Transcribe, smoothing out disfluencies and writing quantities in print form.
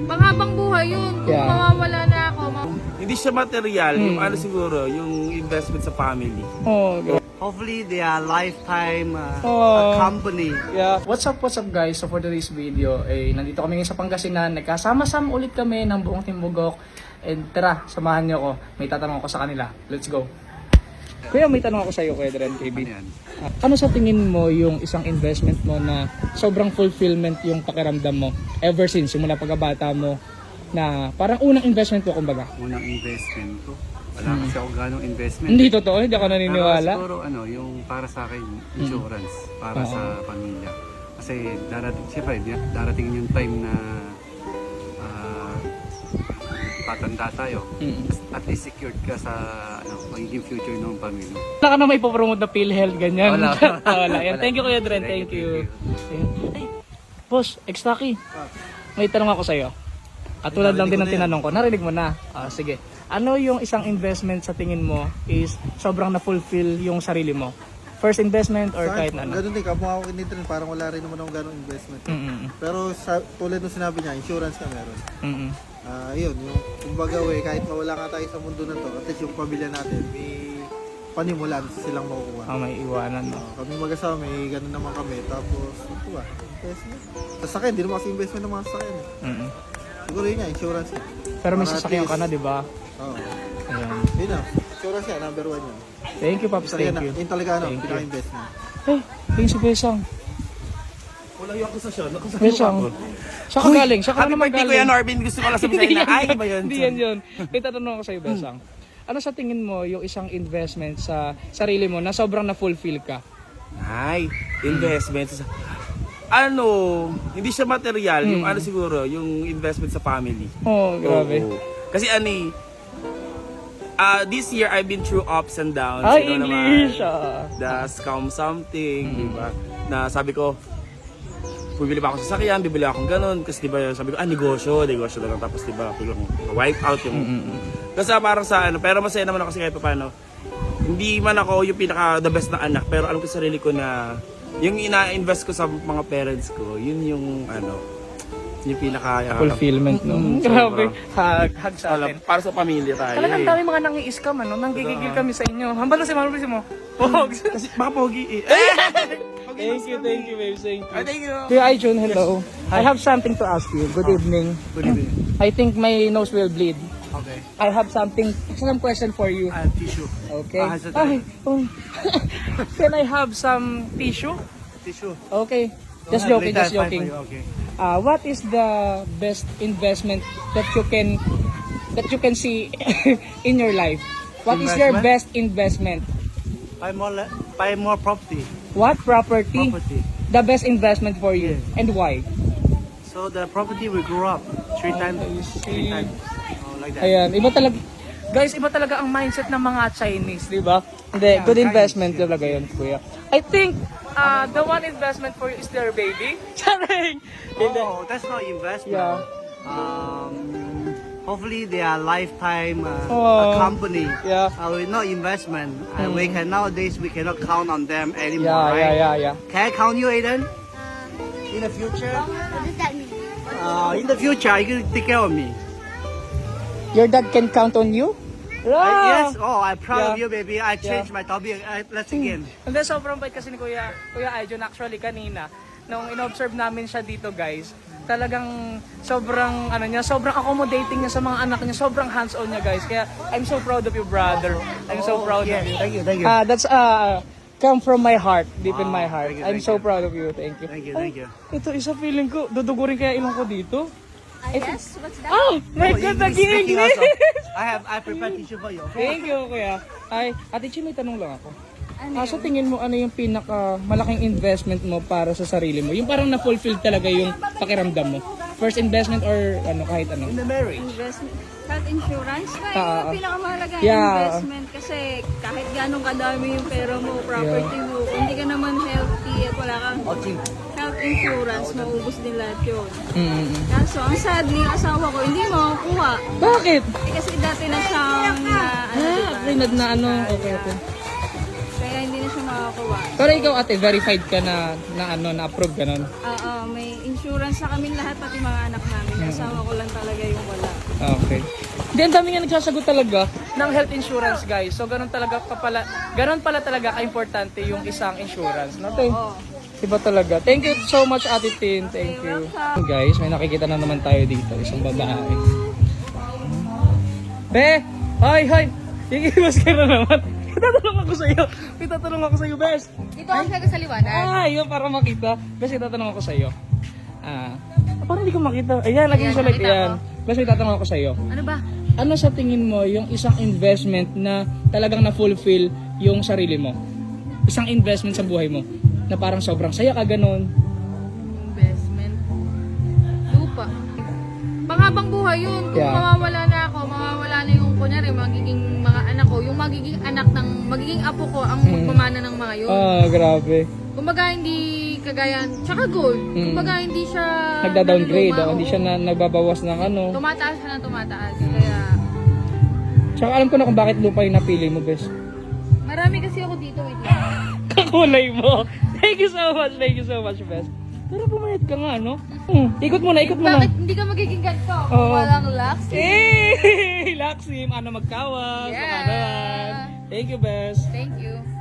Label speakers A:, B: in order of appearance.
A: panghabang buhay yun. Kung
B: Yeah.
A: mawawala na ako,
C: Hindi siya material, yung ano siguro, yung investment sa family.
B: Oh,
D: Hopefully they are lifetime
B: Oh.
D: company.
B: yeah. What's up guys? So for today's video, nandito kami ngayon sa Pangasinan. Nagkasama-sama ulit kami ng buong Team Bugok. And tara, samahan niyo ako. May tatanong ako sa kanila. Let's go. Kuya, may tanong ako sa iyo, Kuya Dren, KB. Ano sa tingin mo yung isang investment mo na sobrang fulfillment yung pakiramdam mo ever since, simula pagkabata mo, na parang unang investment mo, kumbaga?
D: Unang investment ko. Wala kasi ako ganong investment.
B: Hindi totoo, hindi ako naniniwala.
D: Pero siguro yung para sa akin, insurance. Para sa pamilya. Kasi siyempre, darating yung time na patanda tayo. At least secured ka sa magiging future ng pamilya.
B: Wala ka na may ipopromote na PhilHealth, ganyan.
D: Wala.
B: Wala. Yan. Thank you, Kuya Dren. Thank you. Ay, boss, Extaki. May tanong ako sa iyo. At tulad lang din ng tinanong ko. Narinig mo na. Sige. Ano yung isang investment sa tingin mo is sobrang na-fulfill yung sarili mo? First investment or kahit na ano?
E: Ganun din, kamukha ko kinito rin, parang wala rin naman akong ganong investment. Pero tulad nung sinabi niya, insurance ka meron. Yun, yung kumbaga kahit mawala ka tayo sa mundo na to, at least yung pamilya natin, may panimulan silang makukuha.
B: May iwanan mo.
E: Kami mag-asawa, may ganun naman kami. Tapos, ito ba, investment. Sasakyan, hindi naman kasi investment ng mga sasakyan. Siguro yun nga, insurance.
B: Pero may
E: Para
B: sasakyan
E: at
B: ka na, di ba?
E: Oo.
B: Ayan.
E: Yun na, insurance yan, number 1 yun.
B: Thank you, Pops. Thank you.
E: Yun talaga
B: Thank you.
E: pinaka-investment.
B: Hey, thank you, Besang.
C: Wala yung akusasyon.
B: Besang. Siya ka galing. Siya ka
C: Happy
B: naman
C: birthday,
B: galing.
C: Kuya Norbin. Gusto ko lang sabihin na, ay, ba yun?
B: Hindi yan yun. May tatanong ako sa iyo, Besang. Ano sa tingin mo yung isang investment sa sarili mo na sobrang na-fulfill ka?
C: Ay, investment sa... hindi siya material, yung ano siguro, yung investment sa family.
B: Oh, grabe.
C: Oo. Kasi this year I've been through ups and downs.
B: Ay,
C: you know
B: English!
C: naman, the scam something, di ba? Na sabi ko, bibili pa ako sa sasakyan, bibili akong ganun. Kasi di ba, sabi ko, negosyo na lang. Tapos di ba, biglang wipe out yung... Kasi parang sa pero masaya naman ako kasi kahit paano. Hindi man ako yung pinaka the best na anak, pero alam ko sa sarili ko na yung ina-invest ko sa mga parents ko, yun yung yung pinaka
B: Fulfillment, no? Grabe. Hug sa atin.
C: para sa pamilya tayo.
B: Talagang dami mga nang-i-scam, ano? Nanggigigil kami sa inyo. Hambalo si mo. Pogs.
C: Kasi baka pogi eh.
B: Thank you, babe. Thank you.
C: Thank you.
B: Kuya Aijun, hello. I have something to ask you. Good evening.
D: Good evening.
B: I think my nose will bleed.
D: Okay.
B: I have some question for you.
D: I have tissue.
B: Okay.
D: Has it-
B: Ay, Can I have some tissue?
D: Tissue.
B: Okay. Just joking,
D: Later,
B: just
D: fine
B: joking.
D: for you, Okay.
B: What is the best investment that you can see in your life? What is your
D: Investment?
B: best investment?
D: Buy more property.
B: What property?
D: Property.
B: The best investment for you and why?
D: So the property will grow up 3 times. 3 times. Like that.
B: Ayan, iba talaga. Guys, iba talaga ang mindset ng mga Chinese, di ba? Hindi, good
D: Chinese,
B: investment talaga yun, kuya. I think the one investment for you is their baby. Charing!
D: Oh, that's not investment.
B: Yeah.
D: Hopefully they are lifetime
B: Oh.
D: company.
B: Yeah.
D: Not investment. Nowadays we cannot count on them anymore, right?
B: Yeah.
D: Can I count you, Aiden? In the future?
F: What does that mean?
D: In the future, are you gonna take care of me?
B: Your dad can count on you?
D: Yes. Oh, I'm proud of
B: Yeah.
D: you, baby. I changed my topic. Let's again.
B: And then sobrang bait kasi ni Kuya Aijun actually kanina nung in-observe namin siya dito, guys. Talagang sobrang sobrang accommodating niya sa mga anak niya, sobrang hands-on niya, guys. Kaya I'm so proud of you, brother. I'm so proud of you.
D: Thank you.
B: That's come from my heart, deep in my heart.
D: Thank you,
B: I'm
D: thank
B: so
D: you.
B: proud of you. Thank you.
D: Thank you.
B: Ito isa feeling ko, dudugurin kaya ilong ko dito.
F: Yes, what's that?
B: Oh, my God,
D: Speaking
B: nag-English!
D: also, I prepared tissue for you. Okay?
B: Thank you, kuya. Ay, Ate Chi, may tanong lang ako.
F: Ano
B: Sa tingin mo, ano yung pinaka malaking investment mo para sa sarili mo? Yung parang na-fulfill talaga yung pakiramdam mo? First investment or kahit ano?
D: In the marriage.
F: Investment. Health insurance na yung pinakamahalaga
B: Yeah.
F: investment kasi kahit ganong kadami yung pera mo, property mo, kung hindi ka naman healthy at wala kang
D: Okay.
F: health insurance, maubos din lahat yun. Kaso, ang sadly, yung asawa ko, hindi makukuha.
B: Bakit?
F: Kasi dati na siyang,
B: Rinad na ano? Okay.
F: kaya hindi na siya makakuha.
B: Pero ikaw ate, verified ka na approve ganun.
F: Oo, may insurance sa kaming lahat, pati mga anak namin. Kasama ko lang talaga yung wala.
B: Okay. Hindi, ang dami nga nagsasagot talaga ng health insurance, guys. So, ganun pala talaga ka-importante yung isang insurance. No, te?
F: Oo.
B: Iba talaga. Thank you so much, Ate Tin. Thank you. Guys, may nakikita na naman tayo dito. Isang babae. Be! Hoy! Ikiwas ka na naman. Itatanong ako sa iyo, Bes.
A: Dito ang siya sa liwanag.
B: Yun, para makita. Bes, itatanong ako sa iyo. Parang hindi ko makita. Ayan, laging sa light.
A: nakita
B: Ayan. Bes, itatanong ako sa iyo.
A: Ano ba?
B: Ano sa tingin mo yung isang investment na talagang na-fulfill yung sarili mo? Isang investment sa buhay mo na parang sobrang saya ka ganun.
A: Investment. Lupa. Panghabang buhay yun. Kung
B: Yeah.
A: mawawala na ako, mawawala na yung kunyari, magiging mga anak ko, yung magiging anak ng, magiging apo ko ang magmamana ng mga yun.
B: Grabe.
A: Kumbaga hindi kagaya, tsaka gold. Kumbaga hindi siya
B: Nagda-downgrade,
A: naluluma,
B: hindi siya nagbabawas ng ano.
A: Tumataas siya ng tumataas. Kaya,
B: Tsaka alam ko na kung bakit lupa yung napili mo, Bes.
A: marami kasi ako dito. Wait lang.
B: Kakulay mo. Thank you so much, Bes. Pero pumayat ka nga, no? Ikot mo na.
A: Bakit hindi ka magiging ganito?
B: Oo.
A: Walang lax.
B: Laksim, ano magkawag.
A: Yeah.
B: Sa kanan. Thank you, Bes.
A: Thank you.